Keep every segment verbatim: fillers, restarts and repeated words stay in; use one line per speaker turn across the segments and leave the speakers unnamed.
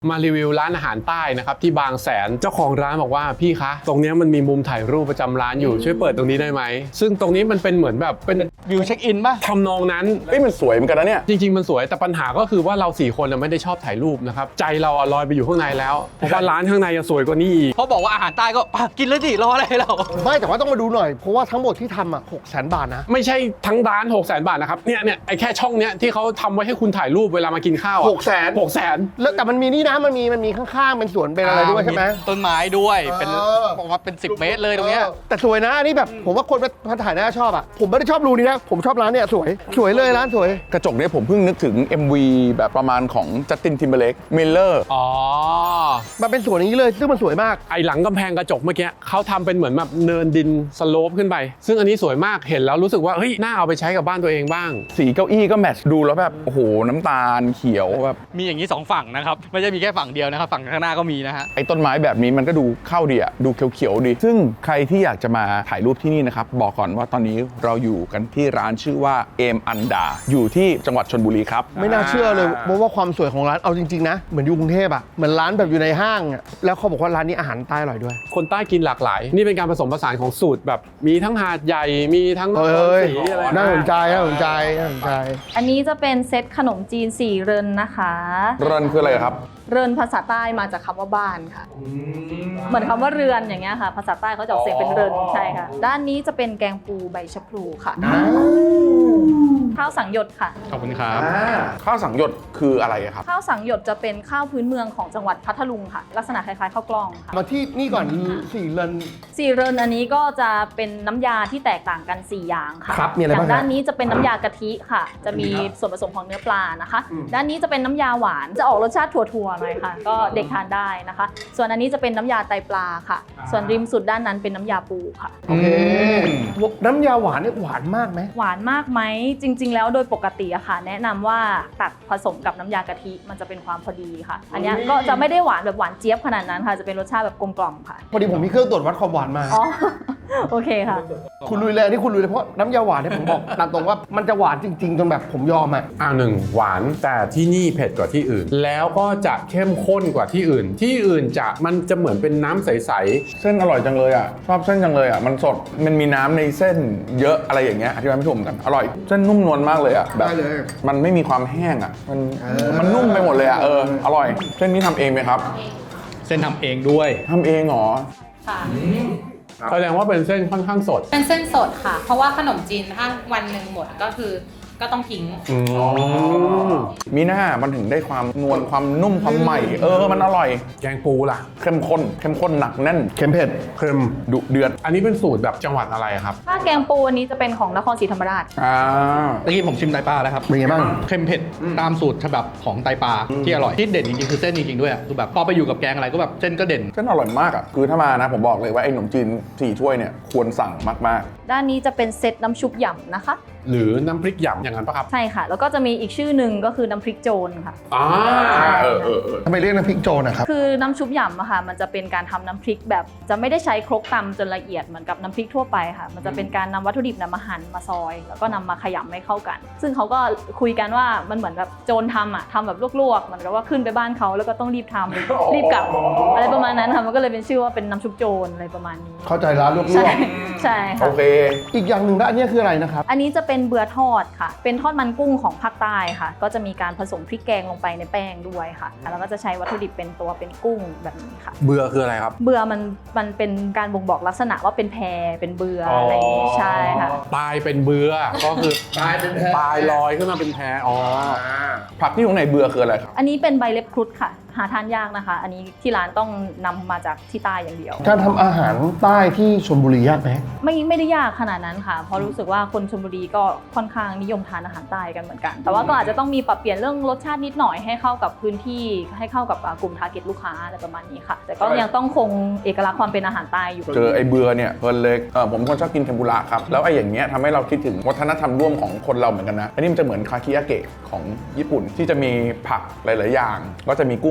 มารีวิวร้านอาหารใต้นะครับที่บางแสนเจ้าของร้านบอกว่าพี่คะตรงนี้มันมีมุมถ่ายรูปประจำร้านอยู่ช่วยเปิดตรงนี้ได้ไหมซึ่งตรงนี้มันเป็นเหมือนแบบเป็น
วิวเช็คอินป่ะ
ทำนองนั้น
เฮ้ยมันสวยเหมือนกันนะเนี่ย
จริงๆมันสวยแต่ปัญหาก็คือว่าเราสี่คนไม่ได้ชอบถ่ายรูปนะครับใจเราลอยไปอยู่ข้างในแล้วเพราะว่าร้านข้างในจะสวยกว่านี้อีก
เขาบอกว่าอาหารใต้ก็กินเลยดิรออะไรเรา
ไม่แต่ว่าต้องมาดูหน่อยเพราะว่าทั้งหมดที่ทำอ่ะหกแสนบาทนะ
ไม่ใช่ทั้งร้านหกแสนบาทนะครับเนี่ยเนี่ยไอ้แค่ช่องเนี้ยที่เขาทำไว้ให้คุณถ่ายรูปเวลามากินข้าว
หกแสน
หกแสน
แล้วแต่มันมีนี่นะมันมีมันมีข้างๆเป็นสวนเป็นอะไรด้วยใช่ไหม
ต้นไม้ด้วยเป็นบอกว่าเป็นสิบเมตรเลยตรงเนี้ย
แต่สวยนะอันนี้แบบผมว่าคนมาถ่ายน่าชอบอ่ะผมไม่ได้ชอบรูนี้นะผมชอบร้านเนี่ยสวยสวยเลยร้านสวย
กระจกเนี่ยผมเพิ่งนึกถึง เอ็ม วี แบบประมาณของจัสตินทิมเบอร์เลกมิลเลอร์
อ๋อ
มันเป็นสวนอย่างนี้เลยซึ่งมันสวยมาก
ไอหลังกำแพงกระจกเมื่อกี้เขาทำเป็นเหมือนแบบเนินดินสโลปขึ้นไปซึ่งอันนี้สวยมากเห็นแล้วรู้สึกว่าเฮ้ยน่าเอาไปใช้กับบ้านตัวเองบ้าง
สีเก้าอี้ก็แมทช์ดูแล้วแบบโอ้โหน้ำตาลเขียวแบบ
มีอย่างนี้สองฝั่งนะครับไม่ใช่มีแค่ฝั่งเดียวนะครับฝั่งข้างหน้าก็มีนะฮะ
ไอ้ต้นไม้แบบนี้มันก็ดูเข้าดีอะดูเขียวๆดีซึ่งใครที่อยากจะมาถ่ายรูปที่นี่นะครับบอกก่อนว่าตอนนี้เราอยู่กันที่ร้านชื่อว่าเอมอันดาอยู่ที่จังหวัดชลบุรีครับ
ไม่น่าเชื่อเลยเพราะว่าความสวยของร้านเอาจริงๆนะเหมือนอยู่กรุงเทพอะเหมือนร้านแบบอยู่ในห้างอะแล้วเขาบอกว่าร้านนี้อาหารใต้อร่อยด้วย
คนใต้กินหลากหลายนี่เป็นการผสมผสานของสูตรแบบมีทั้งหาดใหญ่มีทั้งสีอะไร
น่าสนใจน่าสนใจน่าสนใจ
อันนี้จะเป็นเซตขนมจีนสี่เรินนะคะ
เรินคืออะไรครับ
เรินภาษาใต้มาจากคำว่าบ้านค่ะเหมือนคำว่าเรือนอย่างเงี้ยค่ะภาษาใต้เขาจะออกเสียงเป็นเรินใช่ค่ะด้านนี้จะเป็นแกงปูใบชะพลูค่ะข้าวสังหยดค่ะ
ขอบคุณครับ
ข้าวสังหยดคืออะไรครับ
ข้าวสังหยดจะเป็นข้าวพื้นเมืองของจังหวัดพัทลุงค่ะลักษณะคล้ายๆข้าวกล้องค่ะ
มาที่นี่ก่อนสี่เริน
สี่เรินอันนี้ก็จะเป็นน้ำยาที่แตกต่างกันสี่อย่างค่ะ
ครับมีอะไรบ้าง
ด้านนี้จะเป็นน้ำยากะทิค่ะจะมีส่วนผสมของเนื้อปลานะคะด้านนี้จะเป็นน้ำยาหวานจะออกรสชาติถั่วๆหน่อยค่ะก็เด็กทานได้นะคะส่วนอันนี้จะเป็นน้ำยาไตปลาค่ะส่วนริมสุดด้านนั้นเป็นน้ำยาปูค่ะ
โอเคน้ำยาหวานนี่หวานมากไหม
หวานมากไหมจริงๆแล้วโดยปกติอะค่ะแนะนำว่าตักผสมกับน้ำยากะทิมันจะเป็นความพอดีค่ะอันนี้ก็จะไม่ได้หวานแบบหวานเจี๊ยบขนาดนั้นค่ะจะเป็นรสชาติแบบกลมกล่อมค่ะ
พอดีผมมีเครื่องตรวจวัดความหวานมา
อ๋อโอเคค่ะ
คุณลุยเลยอันนี้คุณลุยเลยเพราะน้ำยาหวานเนี่ยผมบอกตามตรงว่ามันจะหวานจริงๆจนแบบผมยอมอ่ะ
อ่าหนึ่งหวานแต่ที่นี่เผ็ดกว่าที่อื่นแล้วก็จะเข้มข้นกว่าที่อื่นที่อื่นจะมันจะเหมือนเป็นน้ำใสๆ
เส้นอร่อยจังเลยอ่ะชอบเส้นจังเลยอ่ะมันสดมันมีน้ำในเส้นเยอะอะไรอย่างเงี้ยอธิบายไม่ถูกเหมือนกันอร่อยเส้นนุ่มนวลมากเลยอ่ะแบบมันไม่มีความแห้งอ่ะมันมันนุ่มไปหมดเลยอ่ะเอออร่อยเส้นนี้ทำเองไหมครับ
เส้นทำเองด้วย
ทำเองเหรอ
ค่ะ
แสดงว่าเป็นเส้นค่อนข้างสด
เป็นเส้นสดค่ะเพราะว่าขนมจีนถ้าวันหนึ่งหมดก็คือก็ต้องทิ้ง
มีหน้ามันถึงได้ความนวลความนุ่มความใหม่เออมันอร่อย
แกงปูล่ะ
เข้มข้นเข้มข้นหนักแน่น
เค็มเผ็ด
เค็ม
ดุเดือด
อันนี้เป็นสูตรแบบจังหวัดอะไรครับ
ถ้าแกงปูอันนี้จะเป็นของนครศรีธรรมราช
อ่า
เมื่อกี้ผมชิมไตปลาแล้วครับ
เป็นไงบ้าง
เค็มเผ็ดตามสูตรฉบับของไตปลาที่อร่อยที่เด่นจริงๆคือเส้นจริงๆด้วยคือแบบพอไปอยู่กับแกงอะไรก็แบบเส้นก็เด่น
เส้นอร่อยมากอ่ะคือถ้ามานะผมบอกเลยว่าไอ้ขนมจีนสี่ถ้วยเนี่ยควรสั่งมาก
ๆด้านนี้จะเป็นเซตน้ำชุบหย่ำนะคะ
หรือน้ำพริกหยำอย่างนั้นปะครับ
ใช่ค่ะแล้วก็จะมีอีกชื่อหนึ่งก็คือน้ำพริกโจรค่ะ
อ่าเออเออเออ
ทำไมเรียกน้ำพริกโจรนะครับ
คือน้ำชุบหยำอะค่ะมันจะเป็นการทำน้ำพริกแบบจะไม่ได้ใช้ครกตำจนละเอียดเหมือนกับน้ำพริกทั่วไปค่ะมันจะเป็นการนำวัตถุดิบนำมาหั่นมาซอยแล้วก็นำมาขยำให้เข้ากันซึ่งเขาก็คุยกันว่ามันเหมือนแบบโจรทำอะทำแบบลวกๆเหมือนกับว่าขึ้นไปบ้านเขาแล้วก็ต้องรีบทำรีบกลับอะไรประมาณนั้นค่ะมันก็เลยเป็นชื่อว่าเป็นน้ำชุบโจรอะไรประมาณนี้
เข้าใจร้านลวก
ๆใช่ค่ะ
โอเค
อีกอย่างหนึ่งนะอันนี้คืออะไรนะครับ
อันนี้จะเป็นเบื่อทอดค่ะเป็นทอดมันกุ้งของภาคใต้ค่ะก็จะมีการผสมพริกแกงลงไปในแป้งด้วยค่ะแล้วก็จะใช้วัตถุดิบเป็นตัวเป็นกุ้งแบบนี้ค่ะ
เบื่อคืออะไรครับ
เบื่อมันมันเป็นการบ่งบอกลักษณะว่าเป็นแพเป็นเบื่ออะไรอย่างนี้ใช่ค่ะ
ตายเป็นเบื่อก็คือตายเป็นแพตายลอยขึ้นมาเป็นแพอ๋อ
ผักที่อยู่ในเบื่อคืออะไรครับ
อันนี้เป็นใบเล็บครุฑค่ะหาทานยากนะคะอันนี้ที่ร้านต้องนำมาจากที่ใต้อย่างเดียว
การทำอาหารใต้ที่ชลบุรียากไหม
ไม่ไม่ได้ยากขนาดนั้นค่ะเพราะรู้สึกว่าคนชลบุรีก็ค่อนข้างนิยมทานอาหารใต้กันเหมือนกันแต่ว่าก็อาจจะต้องมีปรับเปลี่ยนเรื่องรสชาตินิดหน่อยให้เข้ากับพื้นที่ให้เข้ากับกลุ่มทาร์เก็ตลูกค้าอะไรประมาณนี้ค่ะแต่ก็ยังต้องคงเอกลักษณ์ความเป็นอาหารใต้อยู่
เจอไอ้เบื่อเนี่ยเพลินเลยเออผมคนชอบกินเทมปุระครับแล้วไอ้อย่างเงี้ยทำให้เราคิดถึงวัฒนธรรมร่วมของคนเราเหมือนกันนะอันนี้มันจะเหมือนคาคิยาเกะของญี่ปุ่นที่จะมีผักหลายๆอย่างก็จะมีกุ้ง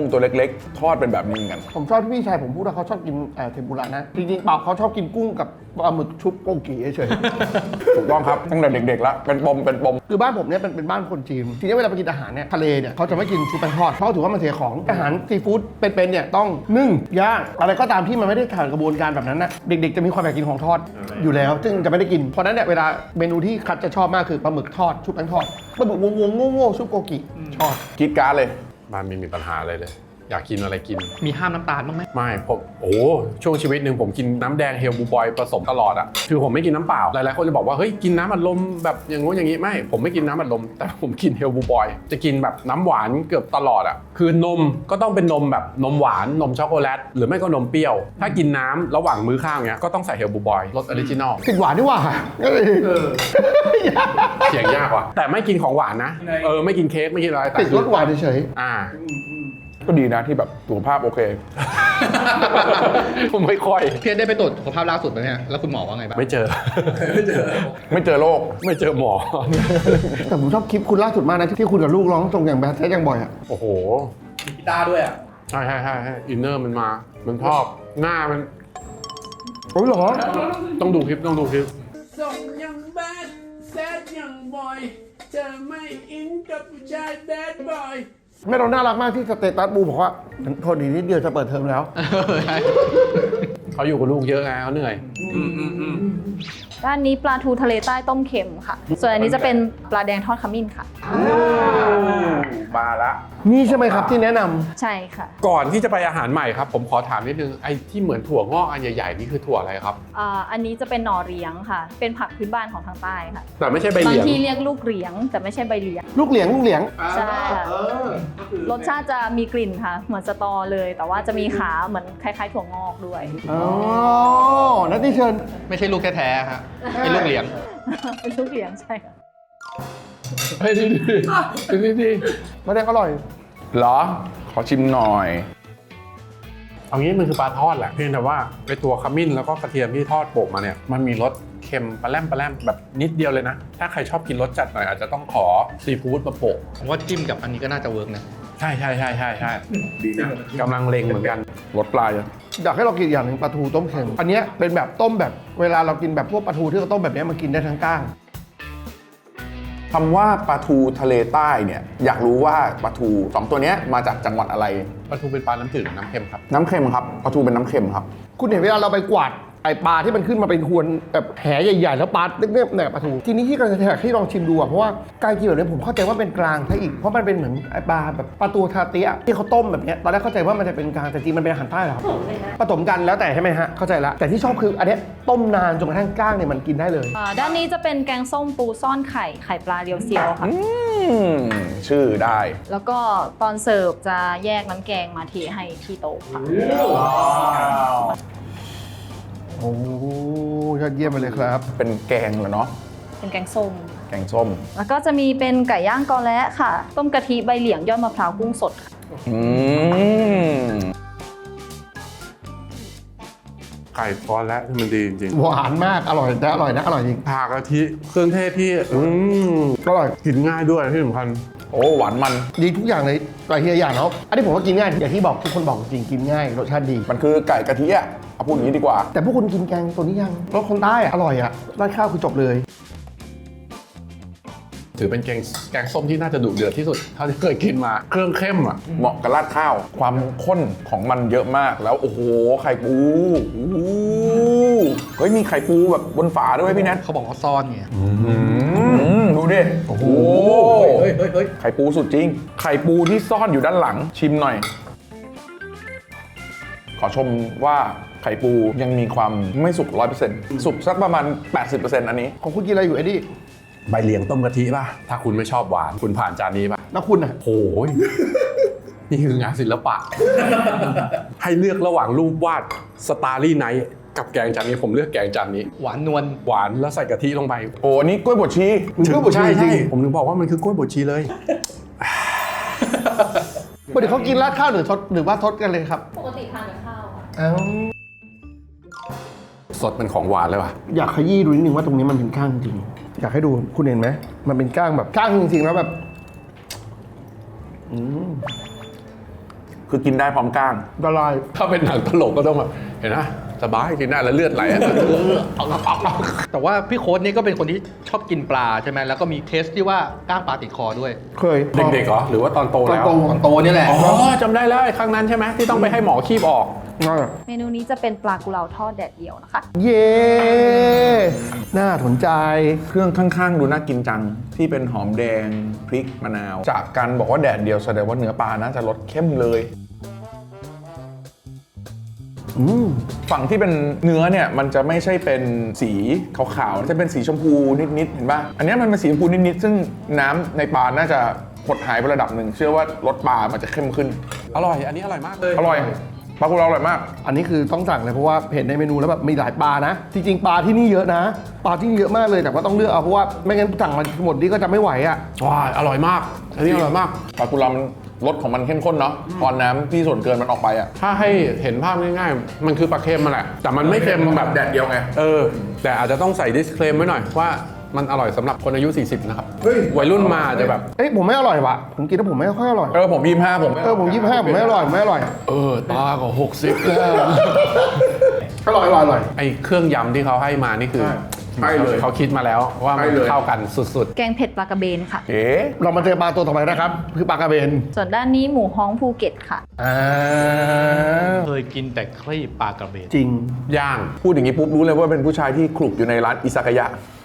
ตัวเล็กๆ ทอดเป็นแบบนี้เหมือนกัน
ผมชอบที่พี่ชายผมพูดว่าเขาชอบกินเอ่อเทมปุระนะ จริงๆเปล่าเขาชอบกินกุ้งกับปลาหมึกชุบโกกิเฉย
ถูกต้องครับตั้งแต่เด็กๆแล้วเป็นปมเป็นปม
ๆ คือบ้านผมเนี่ยเป็นเป็นบ้านคนจีน ทีนี้เวลาไปกินอาหารเนี่ยทะเลเนี่ยเขาจะไม่กินชุบแป้งทอดเพราะถือว่ามันเสียของอาหารซีฟู้ดเป็นๆเนี่ยต้องนึ่งย่างอะไรก็ตามที่มันไม่ได้ผ่านกระบวนการแบบนั้นนะเด็กๆจะมีความอยากกินของทอดอยู่แล้ว ซึ่งจะไม่ได้กินเพราะฉะนั้นเนี่ยเวลาเมนูที่คัดจะชอบมากคือปลาหมึกทอดชุบแป้งทอดปลาหมึกวงๆโง่ๆชุบโกกิชอบ
คิดการ์ดเลย
บ้านไม่มีปัญหาอะไรเลย อยากกินอะไรกิน
มีห้ามน้ำตาลบ้างไหม
ไม่ผมโอ้ช่วงชีวิตหนึ่งผมกินน้ำแดงเฮลบูบอยผสมตลอดอะคือผมไม่กินน้ำเปล่าหลายๆคนจะบอกว่าเฮ้ยกินน้ำอัดลมแบบอย่างงู้นอย่างนี้ไม่ผมไม่กินน้ำอัดลมแต่ผมกินเฮลบูบอยจะกินแบบน้ำหวานเกือบตลอดอะคือนมก็ต้องเป็นนมแบบนมหวานนมช็อกโกแลตหรือไม่ก็นมเปรี้ยวถ้ากินน้ำระหว่างมื้อข้าวเนี้ยก็ต้องใส่เฮลบูบอยรสออริจินอล
ติดหวานดีกว่า
เสียงยากว่ะแต่ไม่กินของหวานนะเออไม่กินเค้กไม่กินอะไรแต่
ติดรสหวานเฉย
อ่า
ก็ดีนะที่แบบสุขภาพโอเค
ผมไม่ค่อย
เพียรได้ไปตรวจสุขภาพล่าสุดไหมเนี่ยแล้วคุณหมอว่าไงบ้าง
ไม่เจอ
ไม่เจอไม่เจอโรค
ไม่เจอหมอ
ๆแต่ผมชอบคลิปคุณล่าสุดมากนะที่คุณกับลูกร้องส่งอย่างแบดแท้อย่างบ่อยอะ
โอ้โห
มีกีตาร์ด้วยอ่ะ
ใช่ใช่ใช่ใช่อินเนอร์มันมา มันชอบหน้ามัน
โอ้ยเหรอ
ต้องดูคลิปต้องดูคลิป
ส่งยังแบดแซดยังบอยเธอไม่อินกับผู้ชายแบดบอย
แม่เราน่ารักมากที่สเตตัสบูบอกว่าโทษดีนิดเดียวจะเปิดเทอมแล้ว
เขาอยู่กับลูกเยอะไงเขาเหนื่อย
ด้านนี้ปลาทูทะเลใต้ต้มเค็มค่ะ ส่วนอันนี้จะเป็นปลาแดงทอดขมิ้นค่ะ
มาละ
นี่ใช่ไหมครับที่แนะนำ
ใช่ค่ะ
ก่อนที่จะไปอาหารใหม่ครับ ผมขอถามนิดนึง ไอ้ที่เหมือนถั่วงอกอันใหญ่ๆนี่คือถั่วอะไรครับ
อ่าอันนี้จะเป็นหน่อเรียงค่ะ เป็นผักพื้นบ้านของทางใต้ค่ะ
แต่ไม่ใช่ใบเห
บาง
ลียง
ที่เรียกลูกเรียง แต่ไม่ใช่ใบเหลียง
ลูกเหลียงลูกเหลียง
ใช่ค่ะรสชาติจะมีกลิ่นค่ะ เหมือนสตอเลย แต่ว่าจะมีขาเหมือนคล้ายๆถั่วงอกด้วย
อ๋อ นัทที่เชิญ
ไม่ใช่ลูกแท้ๆฮะเป็นลูกเหลียง
เป็นลูกเรียงใช่ค่ะ
เฮ้ยดีดีดีดี
มาแดงอร่อย
เหรอ ขอชิมหน่อย
เอางี้มันคือปลาทอดแหละ เพียงแต่ว่าไอ้ตัวขมิ้นแล้วก็กระเทียมที่ทอดโปะมาเนี่ย มันมีรสเค็มปลาแรมปลาแรมแบบนิดเดียวเลยนะ ถ้าใครชอบกินรสจัดหน่อยอาจจะต้องขอซีฟู้ดมาโปะ
ผมว่าจิ้มกับอันนี้ก็น่าจะเวิร์กนะ
ใช่ใช่ใช่ใช่ใช่ดีนะกำลังเล็งเหมือนกัน
รสปลาจะ
อยากให้เรากินอีกอย่างหนึ่งปลาทูต้มเค็ม อันเนี้ยเป็นแบบต้มแบบเวลาเรากินแบบพวกปลาทูที่เราต้มแบบเนี้ยมันกินได้ทั้งก้าง
คำว่าปลาทูทะเลใต้เนี่ย อยากรู้ว่าปลาทูสองตัวเนี้ยมาจากจังหวัดอะไร
ปลาทูเป็นปลาน้ำจืดหรือน้ำเค็มครับ
น้ำเค็มครับ ปลาทูเป็นน้ำเค็มครับ
คุณเห็นเวลาเราไปกวาดไอปลาที่มันขึ้นมาเป็นหวนแบบแหใหญ่ๆ แล้วปลาเล็กๆเนี่ยปลาทูทีนี้ที่กำลังจะแทกให้ลองชิมดูอะเพราะว่าการกินแบบนี้ผมเข้าใจว่าเป็นกลางซะอีกเพราะมันเป็นเหมือนไอปลาแบบปลาตูทาเตียที่เขาต้มแบบเนี้ยตอนแรกเข้าใจว่ามันจะเป็นกลางแต่จริงมันเป็นอาหารใต้เหรอครับผสมกันแล้วแต่ใช่ไหมฮะเข้าใจละแต่ที่ชอบคืออันเนี้ยต้มนานจนกระทั่งกล้างเนี่ยมันกินได้เลย
อ่าด้านนี้จะเป็นแกงส้มปูซ่อนไข่ ไข่ปลาเรียวเซียวค่ะ
อืม ชื่อได้
แล้วก็ตอนเสิร์ฟจะแยกน้ำแกงมาเทให้ที่โต๊ะค่ะ
โอ้ยอดเยี่ยมไปเลยครับ
เป็นแกงเหรอเนาะ
เป็นแกงส้ม
แกงส้ม
แล้วก็จะมีเป็นไก่ย่างกอและค่ะ ต้มกะทิใบเหลียงยอดมะพร้าวกุ้งสดค่ะ
อืม
ไก่ทอดและที่มันดีจริง
หวานมากอร่อยนะอร่อยนะอร่อยจริง
ๆผักกะทิเครื่องเทศที่อืม
อร่อย
กินง่ายด้วยที่สำคัญ
โอ้หวานมัน
ดีทุกอย่างเลยแต่ทีละอย่างเนาะอันนี้ผมว่ากินง่ายอย่างที่บอกทุกคนบอกจริงกินง่ายรสชาติดี
มันคือไก่กะทิอะเอาพูดอย่างนี้ดีกว่า
แต่พวกคุณกินแกงตัวนี้ยังรสคนใต้อะอร่อยอะราดข้าวคือจบเลย
ถือเป็นแกงแกงส้มที่น่าจะดุเดือดที่สุดเท่าที่เคยกินมา เครื่องเข้มอ่ะ
เหมาะกับราดข้าว ความข้นของมันเยอะมาก แล้วโอ้โห ไข่ปูโอ้โหเฮ้ย มีไข่ปูแบบบนฝาด้วยพี่แนท
เขาบอกว่าซ่อนไง
อืมดูดิ โอ้โห
เฮ้ยเฮ้ยเฮ้ย
ไข่ปูสุดจริง ไข่ปูที่ซ่อนอยู่ด้านหลัง ชิมหน่อย ขอชมว่าไข่ปูยังมีความไม่สุก ร้อยเปอร์เซ็นต์ สุกสักประมาณ แปดสิบเปอร์เซ็นต์ อันนี้
ของคุณกินอะไรอยู่เอ็ดดี้
ใบเหลียงต้มกะทิป่ะ ถ้าคุณไม่ชอบหวาน คุณผ่านจานนี้ป่ะ
แล้วคุณอะ
โอ้ย นี่คืองานศิลปะ ให้เลือกระหว่างรูปวาดสตาร์ลี่ไนท์กับแกงจานนี้ผมเลือกแกงจานนี้
หวานนวล
หวานแล้วใส่กะทิลงไป
โอ้อันนี้กล้วยบดชี
ถึงใช่ใช่ผมถึงบอกว่ามันคือกล้วยบดชีเลย
ปกติเขากินราดข้าวหรือทดหรือว่าทดกันเลยครับ
ปกติทานกับข้าวค่ะ
อ้าว
สดเป็นของหวานเลยว่ะ
อยากขยี้ดูนิดนึงว่าตรงนี้มันเป็นก้างจริงอยากให้ดูคุณเห็นไหมมันเป็นก้างแบบก้างจริงๆแล้วแบบอืม
คือกินได้พร้อมก้าง
ละลาย
ถ้าเป็นหนังตลกก็ต้องแบบเห็นนะสบายกินได้แล้วเลือดไหลอะ
แต่ว่าพี่โค้ดนี่ก็เป็นคนที่ชอบกินปลาใช่ไหมแล้วก็มีเคสที่ว่าก้างปลาติดคอด้วย
เคย
เด็กๆเหรอหรือว่าตอนโต
ตอน
แล้ว
โต
ตอนโตนี่แหละ
อ๋อจำได้แล้วไอ้ครั้งนั้นใช่ไหมที่ต้องไปให้หมอคีบออก
นั่นแหละ
เมนูนี้จะเป็นปลากุเลาทอดแดดเดียวนะคะ
เย้น่าสนใจ
เครื่องข้างๆ ดูน่ากินจังที่เป็นหอมแดงพริกมะนาว จากการบอกว่าแดดเดียวแสดงว่าเนื้อปลาน่าจะรสเข้มเลย
อืม
ฝั่งที่เป็นเนื้อเนี่ยมันจะไม่ใช่เป็นสีขาวๆจะเป็นสีชมพูนิดๆเห็นป่ะอันนี้มันเป็นสีชมพูนิดๆซึ่งน้ำในปลาน่าจะหดหายไประดับหนึ่งเชื่อว่ารสปลามันจะเข้มขึ้น
อร่อยอันนี้อร่อยมากเลย
อร่อยปลากุเลาอร่อยมาก
อันนี้คือต้องสั่งเลยเพราะว่าเห็นในเมนูแล้วแบบมีหลายปลานะ จริงๆปลาที่นี่เยอะนะ ปลาที่นี่เยอะมากเลยแต่ว่าต้องเลือกเอาเพราะว่าไม่งั้นสั่งมาหมดนี่ก็จะไม่ไหวอ่ะ
ว้ายอร่อยมาก อันนี้อร่อยมาก
ปลากุเลามันรสของมันเข้มข้นเนาะตอนน้ำที่ส่วนเกินมันออกไปอ่ะ
ถ้าให้เห็นภาพง่ายๆ มันคือปลาเค็มมาแหละ แต่มันไม่เค็มแบบ
แดดเดียวไง
เออ แต่อาจจะต้องใส่ disclaim ไว้หน่อยว่ามันอร่อยสำหรับคนอายุ สี่สิบ นะครับ
เฮ้ย
วัยรุ่นมาอาจจะแบบ
เอ้ยผมไม่อร่อยว่ะผมกินแล้วผมไม่ค่อยอร่อย
เออผมยี่สิบห้าผม
เออผมยี่สิบห้าผมไม่อร่อยผมไม่อร่อย
เออ ตาก็หกสิบแล้ว
อร่อยอร่อยอร่อย
ไอ้เครื่องยำที่เขาให้มานี่คือ
ใช่เลย
เขาคิดมาแล้วว่ามัน
ใช่เลย
เข้ากันสุด
แกงเผ็ดปลากระเบนค่ะ
เอ๊ะ
เรามาเจอปลาตัวต่อไปนะครับคือปลากระเบน
ส่วนด้านนี้หมูฮ้องภูเก็ตค่ะ
อ่า
เคยกินแต่ครีบปลากระเบน
จริง
ๆ ย่าง
พูดอย่างนี้ปุ๊บรู้เลยว่าเป็นผู้ชายที่คลุกอยู่ในร้านอิซากายะ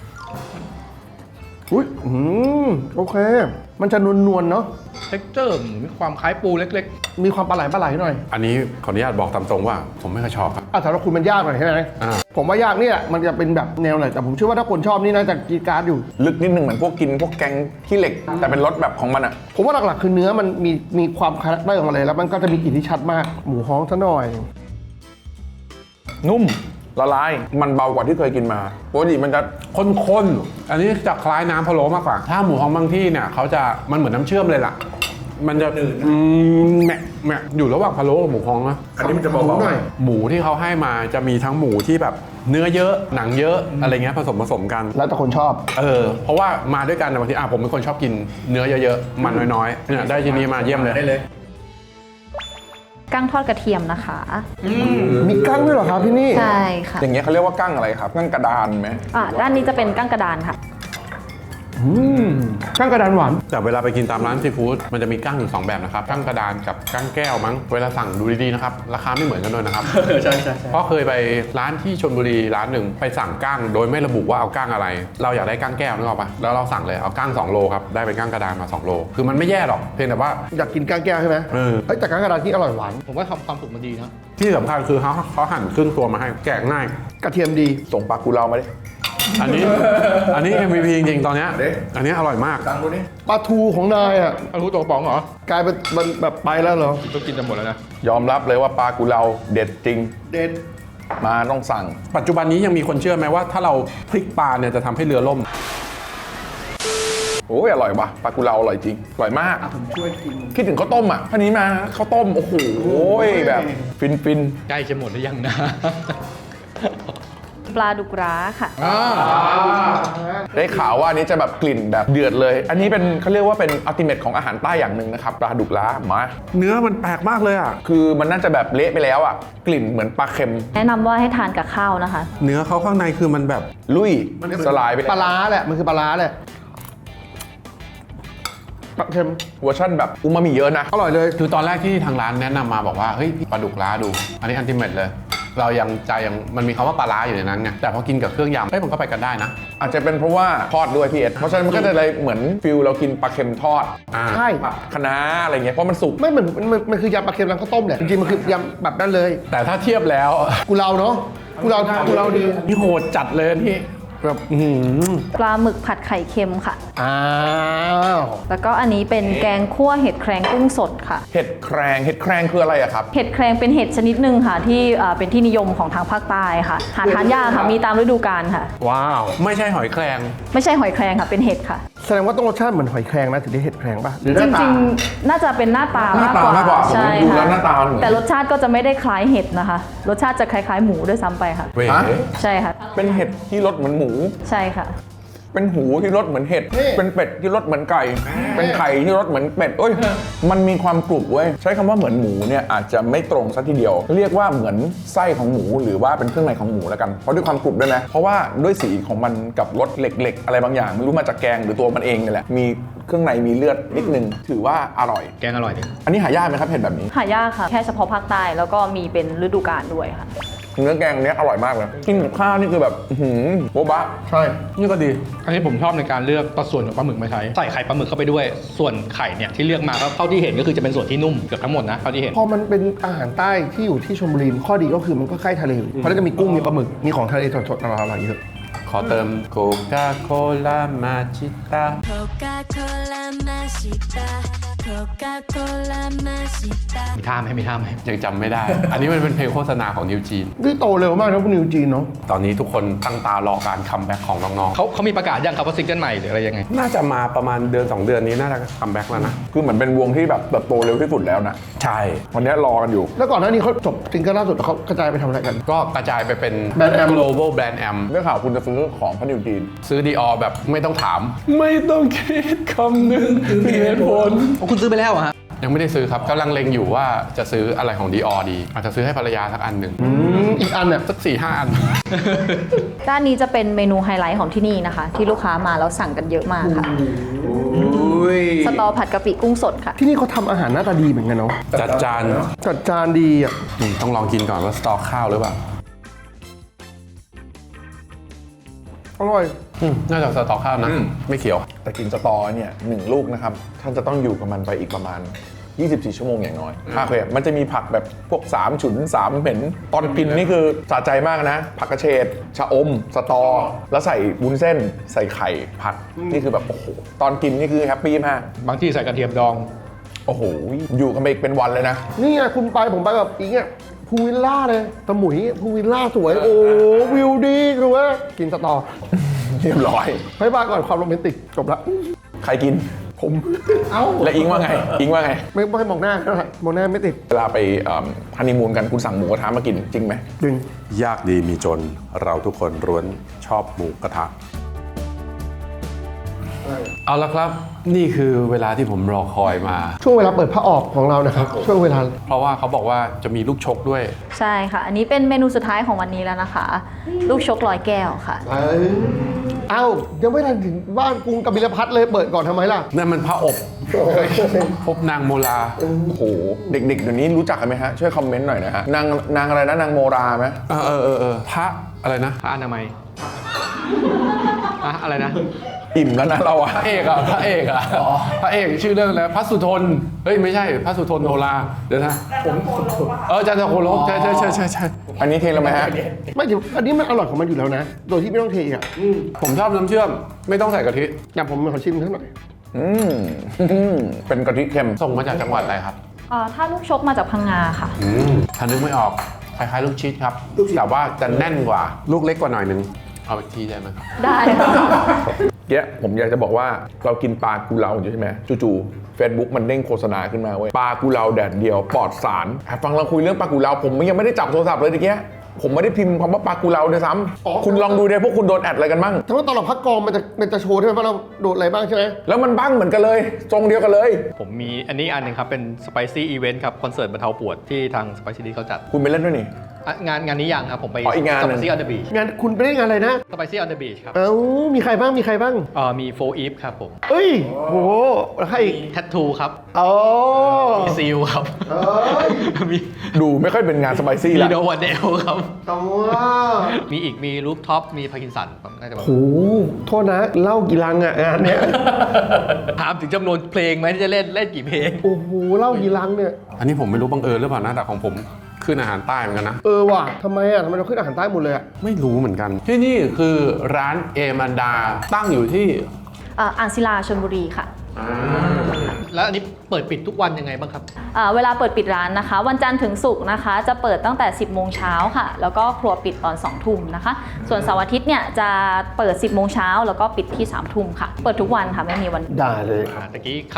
อุ้ยอืมโอเค มันจะนวลๆเนาะ
เท็กเจอร์มีความคล้ายปูเล็ก
มีความปลาไหลปลาไหลหน่อย
อันนี้ขออนุญาตบอกตามตรงว่าผมไม่ค่อยชอบครับ
อ่ะสำหรับคุณมันยากหน่อยใช่ไหม
อ่า
ผมว่ายากนี่แหละมันจะเป็นแบบแนวไหนแต่ผมเชื่อว่าถ้าคนชอบนี่น่าจะกรีดกราร์ดอยู่
ลึกนิดนึงเหมือนพวกกินพวกแกงขี้เหล็ก แต่เป็นรสแบบของมันอ่ะ
ผมว่าหลักๆคือเนื้อมันมีมีความคาแรคเตอร์ของมันเลยแล้วมันก็จะมีกลิ่นที่ชัดมาก หมูฮ้องซะหน่อย
นุ่มละลายมันเบากว่าที่เคยกินมาปกติมันจะ
ข้นๆ อันนี้จะคล้ายน้ำพะโล้มากกว่า ถ้าหมูฮ้องบางที่เนี่ยเขาจะมันเหมือนน้ำเชื่อมเลยล่ะ มันจะอืมแหมะแหมะอยู่ระหว่างพะโล้กับหมูฮ้องนะ
อันนี้มันจะเบา
หน่อย
หมูที่เขาให้มาจะมีทั้งหมูที่แบบเนื้อเยอะหนังเยอะอะไรเงี้ยผสมผสมกัน
แล้วแต่คนชอบ
เออเพราะว่ามาด้วยกันนะบางทีอ่ะผมเป็นคนชอบกินเนื้อเยอะๆมันน้อยๆเนี่ยได้ทีนี้มาเยี่ยมเลย
ได้เลย
กั้งทอดกระเทียมนะคะ
มีกั้งด้วยเหรอครับที่นี่
ใช่ค่ะ
อย่างเงี้ยเขาเรียกว่ากั้งอะไรครับกั้งกระดานไหม
อ่ะด้านนี้จะเป็นกั้งกระดานค่ะ
อืมกั้งกระดานหวาน
แต่เวลาไปกินตามร้านซีฟู้ดมันจะมีกั้งอยู่สองแบบนะครับกั้งกระดานกับกั้งแก้วมั้งเวลาสั่งดูดีๆนะครับราคาไม่เหมือนกันด้วยนะครับ
ใช่ใช่ใช่
เพราะเคยไปร้านที่ชลบุรีร้านหนึ่งไปสั่งกั้งโดยไม่ระบุว่าเอากั้งอะไร เราอยากได้กั้งแก้วนึกออกปะแล้วเราสั่งเลยเอากั้งสองโลครับได้เป็นกั้งกระดานมาสองโลคือมันไม่แย่หรอกเพียงแต่ว่า
อยากกินกั้งแก้วใช่ไหม
เออ
เอ้ยแต่กั้งกระดานที่อร่อยหวาน
ผมว่าทำความสุกมันดีนะ
ที่สำคัญคือเขาเขาหั่นครึ่งตัวมาให้แกะง่าย
กระเทียมดี
ส่งปลากุเลามาดิ
อันนี้ อันนี้ เอ็ม วี พี จริงๆตอนเนี้ย
เด้
อันนี้อร่อยมาก
ตังดูนี่
ปลาทูของนายอ่ะ
เอารู้ตัวกระป๋องเหรอก
ลายเป็นมันแบบไปแล้วเหรอ
ก็กินจะหมดแล้วนะ
ยอมรับเลยว่าปลากุเลาเด็ดจริง
เด็ด
มาต้องสั่ง
ปัจจุบันนี้ยังมีคนเชื่อไหมว่าถ้าเราพลิกปลาเนี่ยจะทำให้เรือล่ม
โอ้ยอร่อยว่ะปลากุเลาอร่อยจริงอร่อยมาก
ผมช่วยกิน
คิดถึงข้าวต้มอ่ะท่านี้มาข้าวต้มโอ้โหแบบฟินฟิน
ใกล้จะหมดหรือยังนะ
ปลาดุกร้าค่ะ
ได้ข่าวว่าอันนี้จะแบบกลิ่นแบบเดือดเลย อันนี้เป็นเขาเรียกว่าเป็นอัลติเมทของอาหารใต้อย่างหนึ่งนะครับปลาดุกล้ามา
เนื้อมันแปลกมากเลยอ่ะ
คือมันน่าจะแบบเละไปแล้วอ่ะกลิ่นเหมือนปลาเค็ม
แนะนำว่าให้ทานกับข้าวนะคะ
เนื้อเขาข้างในคือมันแบบ
ลุยสลายไป
ปลาร้าแหละ มันคือปลาร้าแหละปลาเค็ม
เวอร์ชันแบบอูมามิเยอะนะ
อร่อยเลย
คือตอนแรกที่ทางร้านแนะนำมาบอกว่าเฮ้ยปลาดุกล้าดู อันนี้อันติเมทเลย เรายังใจยังมันมีคำว่าปลาร้าอยู่ในนั้นไงแต่พอกินกับเครื่องยำเฮ้ยมันก็ไปกันได้นะ
อาจจะเป็นเพราะว่าทอดด้วยพี่เอ็ดเพราะฉะนั้นมันก็จะเลยเหมือนฟิลเรากินปลาเค็มทอด
อ่า
ใช่
คะน้าอะไรเงี้ยเพราะมันสุก
ไม่เหมือนมันมันมันคือยำปลาเค็มร้านข้าวต้มแหละ จริงๆ มันคือยำแบบนั้นเลย
แต่ถ้าเทียบแล้ว
กูเราเนาะกูเรากูเราดี
นี่โหดจัดเลยนี่แบบอื้อหือ
ปลาหมึกผัดไข่เค็มค่ะ
อ้าว
แล้วก็อันนี้เป็นแกงคั่วเห็ดแครงกุ้งสดค่ะ
เห็ดแครงเห็ดแครงคืออะไรอะครับ
เห็ดแครงเป็นเห็ดชนิดหนึ่งค่ะ ที่เอ่อเป็นที่นิยมของทางภาคใต้ค่ะ หาทานยากค่ะ มีตามฤดูกาลค่ะ
ว้าว
ไม่ใช่หอยแครง
ไม่ใช่หอยแครงค่ะ เป็นเห็ดค่ะ
แสดงว่าต้องรสชาติเหมือนหอยแครงนะถึงได้เห็ดแครงป่ะหรือห
จ
น้าตา
ริงๆ น่าจะเป็นหน้าตา
หน้าม
าก
ตาก
ว่า
มากกว่าผม
ใช่
ดูแล้
ค่ะ
วหน้าตามันเหมือน
แต่รสชาติก็จะไม่ได้คล้ายเห็ดนะคะ รสชาติจะคล้ายๆหมูด้วยซ้ำไปค่ะ
เว้ย
ฮะ
ใช่ค่ะ
เป็นเห็ดที่รสเหมือนหมู
ใช่ค่ะ
เป็นหูที่รสเหมือนเห็ด
นี่
เป็นเป็ดที่รสเหมือนไก่ เป็นไข่ที่รสเหมือนเป็ดเอ้ยมันมีความกรุบเว้ยใช้คำว่าเหมือนหมูเนี่ยอาจจะไม่ตรงซะทีเดียว เรียกว่าเหมือนไส้ของหมูหรือว่าเป็นเครื่องในของหมูแล้วกันเพราะด้วยความกรุบด้วยนะเพราะว่าด้วยสีของมันกับรสเหล็กๆ อะไรบางอย่างไม่รู้มาจากแกงหรือตัวมันเองนี่แหละมีเครื่องในมีเลือดนิดนึงถือว่าอร่อย
แกงอร่อยดี
อันนี้หายากไหมครับเห็ดแบบนี้
หายากค่ะ แค่เฉพาะภาคใต้แล้วก็มีเป็นฤดูกาลด้วยค่ะ
เนื้อแกงเนี้ยอร่อยมากเลยกินกับข้าวนี่คือแบบอื้อหือโบ๊ะบะ
ใช่
นี่ก็ดี
อันนี้ผมชอบในการเลือกตัดส่วนของปลาหมึกมาใช้ใส่ไข่ปลาหมึกเข้าไปด้วยส่วนไข่เนี่ยที่เลือกมาก็เท่าที่เห็นก็คือจะเป็นส่วนที่นุ่มเกือบทั้งหมดนะเท่าที่เห็น
พอมันเป็นอาหารใต้ที่อยู่ที่ชลบุรีข้อดีก็คือมันก็ใกล้ทะเลเพราะฉะนั้นจะมีกุ้งมีปลาหมึกมีของทะเลสดๆอร่อยๆเยอะ
ขอเติมโคคาโคล่ามาชิตา
Coca-Cola Mashita Coca-Cola Mashita
มีท่าไหมมีท่าไหม
ยังจำไม่ได้ อันนี้มันเป็นเพลงโฆษณาของนิวจีน
นี่โตเร็วมากนะพวกนิวจีนเนาะ
ตอนนี้ทุกคนตั้งตารอการคัมแบ็กของน้อง
เขาเขามีประกาศยังครับว่าซิงเกิลใหม่หรืออะไรยังไง
ๆ น่าจะมาประมาณเดือนสองเดือนนี้น่าจะคัมแบ็กแล้วนะ
คือเหมือนเป็นวงที่แบบเติบโตเร็วที่สุดแล้วนะ
ใช่
วันนี้รอกันอยู่
แล้วก่อนหน้านี้เขาจบซิงเกิลล่าสุดแล้วเขากระจายไปทำอะไรกัน
ก็กระจายไปเป็น
แบรนด์แอม
global brand am
ได้ข่าวคุณจะซื้อของพระนิวจีน
ซื้อดีออแบบไม่ต้องถาม ไม่ต้องคิดคำหนึ่งถึงเหตุผล
คุณซื้อไปแล้วเหรอฮะ
ยังไม่ได้ซื้อครับกำลังเล็งอยู่ว่าจะซื้ออะไรของดีออดี อาจจะซื้อให้ภรรยาสักอันหนึ่ง
อืมอีกอันเนี่ย
สักสี่ห้าอัน
ด้านนี้จะเป็นเมนูไฮไลท์ของที่นี่นะคะ ที่ลูกค้ามาแล้วสั่งกันเยอะมากค่ะสตอผัดกะปิกุ้งสดค่ะ
ที่นี่เขาทำอาหารหน้าตาดีเหมือนกันเนาะ
จัดจาน
จัดจานดีอ่ะ
อืมต้องลองกินก่อนว่าสตอข้าวหรือเปล่า
อร่อย
อืมน่าจะสตอข้าวนะ
อืม
ไม่เขียว
แต่กินสตอเนี่ยหนึ่งลูกนะครับ ท่านจะต้องอยู่กับมันไปอีกประมาณ ยี่สิบสี่ ชั่วโมงอย่างน้อยโอเคมันจะมีผักแบบพวกสามฉุนสามเหม็นตอนกินนี่คือสะใจมากนะ ผักกระเฉดชะอม สตอ แล้วใส่วุ้นเส้น ใส่ไข่ผัด นี่คือแบบโอ้โห ตอนกินนี่คือแฮปปี้มาก
บางที่ใส่กระเทียมดอง
โอ้โห อยู่กันไปอีกเป็นวันเลยนะ
นี่ไงคุณไปผมไปแบบอีกเนี่ยพูลวิลล่าเลยตะหมุยพูลวิลล่าสวย โอ้วิวดีคือว่ากินสตอ
เรียบร้อย
บายบายก่อนความโรแมนติกจบละ
ใครกิน
ผม เอ้า
และอิงว่าไง อิงว่าไง
ไม่ไม่ให้มองหน้าเท่าไหร่มองหน้าไม่ติด
เวลาไปฮันนีมูนกันคุณสั่งหมูกระทะมากินจริงไหม
ดึง
ยากดีมีจนเราทุกคนร้วนชอบหมูกระทะ เอาละครับ นี่คือเวลาที่ผมรอคอยมา
ช่วงเวลาเปิดผ้าออกของเรานะครับ ช่วงเวลา
เพราะว่าเขาบอกว่าจะมีลูกชกด้วย
ใช่ค่ะ อันนี้เป็นเมนูสุดท้ายของวันนี้แล้วนะคะ ลูกชกลอยแก้วค่ะ
เอ้ายังไม่ทันถึงบ้านกรุงกบิลพัทเลยเปิดก่อนทำไมล่ะ
นั่นมันพระอบพบนางโมลา
โอ้โห เด็กๆเดี๋ยวนี้รู้จักกันไหมฮะ ช่วยคอมเมนต์หน่อยนะฮะ นางนางอะไรนะ นางโมราไหม
เออเออเออเออพระอะไรนะ
พระอนามัยอะอะไรนะ
อิ่มแล้วนะเราอะ
พระเอกอะพระเอกอะพระเอกชื่อเรื่องอะไรพระสุทนเฮ้ยไม่ใช่พระสุทนโนราเดี๋ยวนะผมเออจันทโคลกใช่ใช่ใช่ใช่ใช่
อันนี้เทแล้วไหมฮะ
ไม่เดี๋ยวอันนี้มันอร่อยของมันอยู่แล้วนะ โดยที่ไม่ต้องเทอ่ะ
ผมชอบน้ำเชื่อมไม่ต้องใส่กะทิ
อย่างผมขอชิมสักหน่อย
อืมเป็นกะทิเค็ม
ส่งมาจากจังหวัดอะไรครับ
เอ่อถ้าลูกชกมาจากพังงาค่ะ
อืมถ้านึกไม่ออกคล้ายๆลูกชิดครับแต่ว่าจะแน่นกว่าลูกเล็กกว่าหน่อยนึงเอาอีกทีได้ไหมครับ
ได้ค่ะ
เกี้ยผมอยากจะบอกว่าเรากินปลากุเลาอยู่ใช่ไหมจู่ๆ Facebook มันเด้งโฆษณาขึ้นมาเว้ยปลากุเลาแดดเดียวปลอดสารฟังเราคุยเรื่องปลากุเลาผมยังไม่ได้จับโทรศัพท์เลยตะเกียผมไม่ได้พิมพ์คำว่าปลากุเลาด้วยซ้
อ๋อ
ำคุณลองดูดิพวกคุณโดนแอดอะไรกันบ้าง
แต่ว่าตอนเราพักกองมันจะมันจะโชว์ใช่ไหมว่าเราโดดอะไรบ้างใช่ไหม
แล้วมันบ้างเหมือนกันเลยทรงเดียวกันเลย
ผมมีอันนี้อันหนึ่งครับ เป็น Spicy Event ครับ คอนเสิร์ตบรรเทาปวดที่ทาง Spicy ดีเขาจัด
คุณไปเล่นด้วยนี่
อ่ะงานงานนี้ยังครับ ผมไป
อ๋ออีกงานหนึ่ง
Spicy on the Beach
งานคุณไปได้งานอะไรนะ
Spicy on the Beach ครับ
เอ้ามีใครบ้างมีใครบ้าง
เอ่อมีโฟอีฟครับผม
เอ้ยโหแล้วใครอีก
มีแทททูครับ
อ๋อ
มีซีลครับ
เอ้ย
มี
ดูไม่ค่อยเป็นงานสไปซี่
มี
ละ
โนวันเดลครับ
ตัว
มีอีกมีรูฟท็อปมีพาร์กินสันครับน่าจะแบบ
โหโทษนะเล่ากี่ลังอะงานเนี้ย
ถามถึงจำนวนเพลงไหมที่จะเล่นเล่นกี่เพลง
โอ้โหเล่ากี่ลังเนี่ย
อันนี้ผมไม่รู้บังเอิญหรือเปล่านะแต่ของผมขึ้นอาหารใต้เหมือนกันนะ
เออว่ะทำไมอะทำไมเราขึ้นอาหารใต้หมดเลยอะ
ไม่รู้เหมือนกัน ที่นี่คือร้านเอมันดาตั้งอยู่ที่
เอ่ออ่างศิลาชลบุรีค่ะ
แล้วอันนี้เปิดปิดทุกวันยังไงบ้างครับ
อ่าเวลาเปิดปิดร้านนะคะ วันจันทร์ถึงศุกร์นะคะ จะเปิดตั้งแต่ สิบโมงเช้าค่ะ แล้วก็ครัวปิดตอน สองทุ่มนะคะ ส่วนเสาร์อาทิตย์เนี่ยจะเปิด สิบโมงเช้าแล้วก็ปิดที่ สามทุ่มค่ะ เปิดทุกวันค่ะไม่มีวันหยุด
ได้เลย
อ่าตะกี้ขับ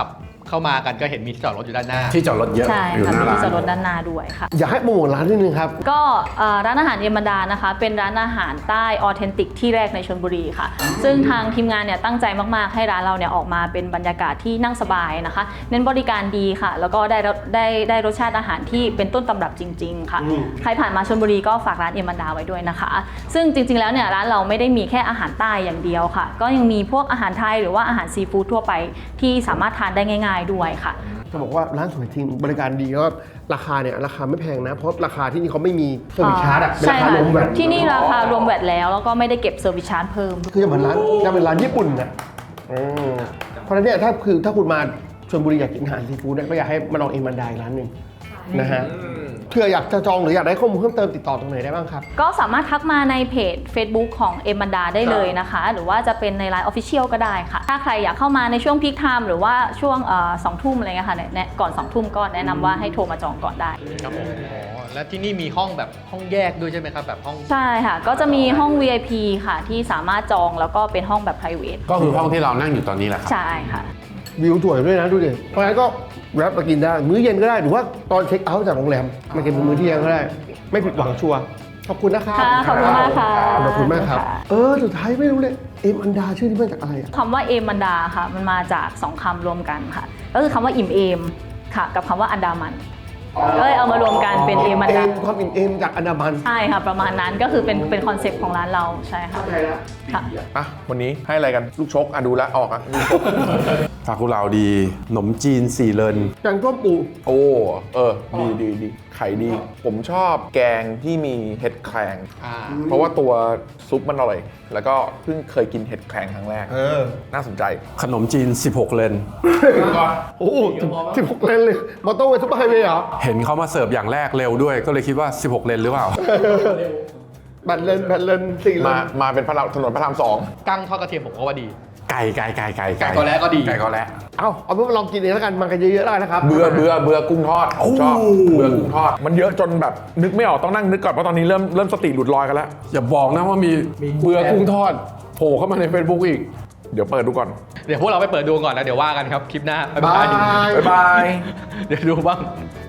เข้ามากันก็เห็นมีที่จอดรถอยู่ด้านหน้า
ที่จอดรถเยอะ
ใช่
อยู่
ค่ะ
หน้า
มี
ร้า
ที่จอดรถ
น
ด้านหน้าด้วยค่ะ
อยากให้โปรโมทร้านนิดนึงครับ
ก็เอ่อร้านอาหารเอมดานะคะ เป็นร้านอาหารใต้ออเทนติกที่แรกในชลบุรีค่ะ ซึ่งทางทีมงานเนี่ยตั้งใจมากๆให้ร้านเราเนี่ยออกมาเป็นบรรยากาศที่นั่งสบายนะคะ เน้นบริการดีค่ะ แล้วก็ได้รสได้ได้รสชาติอาหารที่เป็นต้นตำรับจริง ๆ ค่ะ ใครผ่านมาชลบุรีก็ฝากร้านเอมดาไว้ด้วยนะคะ ซึ่งจริงๆแล้วเนี่ยร้านเราไม่ได้มีแค่อาหารใต้อย่างเดียวค่ะ ก็ยังมีพวกอาหารไทยหรือว่าอาหารซีฟู้ดทั่วไปที่สามารถทานได้ง่าย ๆด้วยค่ะ
จะบอกว่าร้านสวยจริงบริการดีแล้วก็ราคาเนี่ยราคาไม่แพงนะ เพราะราคาที่นี่เขาไม่มีเซอร์วิสชาร์จอะเป็น
ใช่
ราคา
ค่ะ
รวมแบบ
ที่นี่ราคารวมแวตแล้วแล้วก็ไม่ได้เก็บเซอร์วิสชาร์จเพิ่ม
คือจะเหมือนร้านจะเป็นร้านญี่ปุ่นนะอืมเพราะฉะนั้นเนี่ยถ้าคือถ้าคุณมาชลบุรีอยากกินอาหารซีฟู้ดเนี่ยก็อยากให้มาลองเอ็มบันไดร้านหนึ่งนะฮะเพื่ออยากจะจองหรืออยากได้ข้อมูลเพิ่มเติมติดต่อตรงไหนได้บ้างครับ
ก็สามารถทักมาในเพจ Facebook ของเอมันดาได้เลยนะคะ หรือว่าจะเป็นใน ไลน์ Official ก็ได้ค่ะ ถ้าใครอยากเข้ามาในช่วงพีคไทม์หรือว่าช่วงสองทุ่มอะไรเงี้ยค่ะแนะก่อนสองทุ่มก็แนะนำว่าให้โทรมาจองก่อนได้
ครับผมอ๋อและที่นี่มีห้องแบบห้องแยกด้วยใช่ไหมครับแบบห้อง
ใช่ค่ะ ก็จะมีห้อง วี ไอ พี ค่ะที่สามารถจองแล้วก็เป็นห้องแบบ private
ก็คือห้องที่เรานั่งอยู่ตอนนี้แหละครับ
ใช่ค่ะ
วิวสวยด้วยนะดูดิเพราะฉะนั้นก็แวะมากินได้มื้อเย็นก็ได้หรือว่าตอนเช็คเอาท์จากโรงแรมมากินมื้อเที่ยงก็ได้ ไม่ผิดหวังชัวร์ขอบคุณนะครับ
ค่ะขอบคุณมากค่ะ
ขอบคุณมากครับ
ค่ะ
เออสุดท้ายไม่รู้เลยเอ็มอันดาชื่อนี้มาจากอะไรอะ
คำว่าเอมันดาค่ะ มันมาจากสองคำรวมกันค่ะ ก็คือคำว่าอิ่มเอมค่ะ กับคำว่าอันดามันก็เลยเอามารวมกันเป็นเอมัน
เอ็
ดา
มความอิ่มเอมจากอันดามัน
ใช่ค่ะ ประมาณนั้นก็คือเป็นเป็นคอนเซปต์ของร้านเราใช่ค่ะ
เข้าใจแล้ว
ค่ะ
อ่ะวันนี้ให้อะไรกันลูกชกอ่ะดูแลวออกอ่ะลูกชก
ซากุเราดีขนมจีนสี่เลน
แกงส้มปู
โอ้เออดีดีดีไข่ดี ผมชอบแกงที่มีเห็ดแครง
อ่า
เพราะว่าตัวซุปมันอร่อย แล้วก็เพิ่งเคยกินเห็ดแครงครั้งแรก
เออ
น่าสนใจ
ขนมจีนสิบหกเลน
โอ้โหสิบหกเลนเลยมอเตอร์เวย์ซุปเปอร์ไฮเวย์เหรอ
เห็นเขามาเสิร์ฟอย่างแรกเร็วด้วย ก็เลยคิดว่า สิบหกเลนหรือเปล่า
แบตเลนแบตเลนสี่เล
มาน มาเป็นพระรามถนนพระรามสอง
กั้งทอดกระเทียมผมก็ว่าดี
ไก่ไก่ไก่ไก่
ไก่กอแระก็ดี
ไก่กอแระ
เอาเอาเป็นว่าลองกินเองแล้วกันมากันเยอะๆได้นะครับ
เบื่อเบื่อเบื่อกุ้งทอดผมชอบ
โอ้
เบื่อกุ้งทอด มันเยอะจนแบบนึกไม่ออกต้องนั่งนึกก่อนเพราะตอนนี้เริ่มเริ่มสติหลุดลอยกันแล้ว
อย่าบอกนะว่ามีเบื่อกุ้งทอดโผล่เข้ามาใน Facebook อีก
เดี๋ยวเปิดดูก่อน
เดี๋ยวพวกเราไปเปิดดูก่อนนะเดี๋ยวว่ากันครับคลิปหน้าบ๊าย
บา
บาย
ย
บ๊ายบาย
เดี๋ยวดูบ้าง
บ